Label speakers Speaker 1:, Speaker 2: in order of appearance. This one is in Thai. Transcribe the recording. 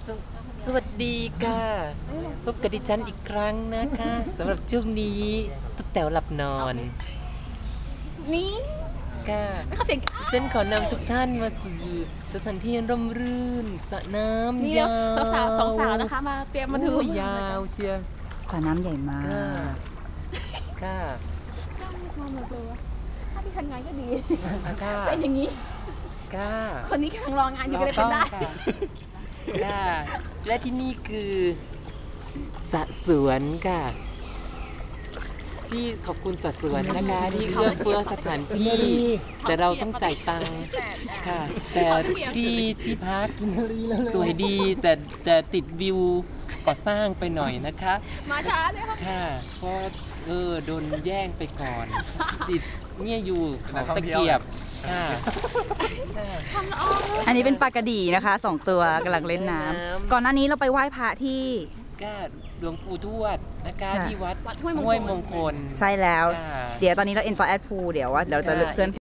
Speaker 1: สสวัสดีค่ะพบกับดิฉันอีกครั้งนะคะสำหรับช่วงนี้ตุ๊กแต๋วหลับนอน
Speaker 2: นี่
Speaker 1: ค่ะ
Speaker 2: เขาเสียง
Speaker 1: ฉันขอนำทุกท่านมาสู่สถานที่ร่มรื่นสระน้ำ
Speaker 2: นี่
Speaker 1: ยาว
Speaker 2: สาวสองสาวนะคะมาเตรียมมาดู
Speaker 1: ยาวเชียว
Speaker 3: สระน้ำใหญ่มาก
Speaker 1: ค่ะ
Speaker 2: ถ้าพี่ทำงานก็ดี
Speaker 1: ค่ะ
Speaker 2: เป็นอย่างนี้
Speaker 1: ค่ะ
Speaker 2: คนนี้กำลังรองานอยู่ก็เลยเป็นได้
Speaker 1: ค่ะและที่นี่คือสระสวนค่ะที่ขอบคุณสระสวนนะคะที่เอื้อเฟื้อสถานที่แต่เราต้องจ่ายตังค์ค่ะแต่ที่พักสวยดีแต่ติดวิวก่อสร้างไปหน่อยนะคะ
Speaker 2: มาช้าเลยค่ะ
Speaker 1: เพราะโดนแย่งไปก่อนติดเนี่ยอยู่ของตะเกียบค่ะ
Speaker 3: อันนี้เป็นปลากระดีนะคะ2 ตัวกำลังเล่นน้ำก่อนหน้านี้เราไปไหว้พระที่
Speaker 1: ก็หลวงปู่ทวดนะคะที่วัด
Speaker 2: ห้วยมงคล
Speaker 1: ห้วยมงคล
Speaker 3: ใช่แล้ว
Speaker 1: ค่ะ
Speaker 3: เดี๋ยวตอนนี้เรา enjoy at pool เดี๋ยวเราจะเคลื่อน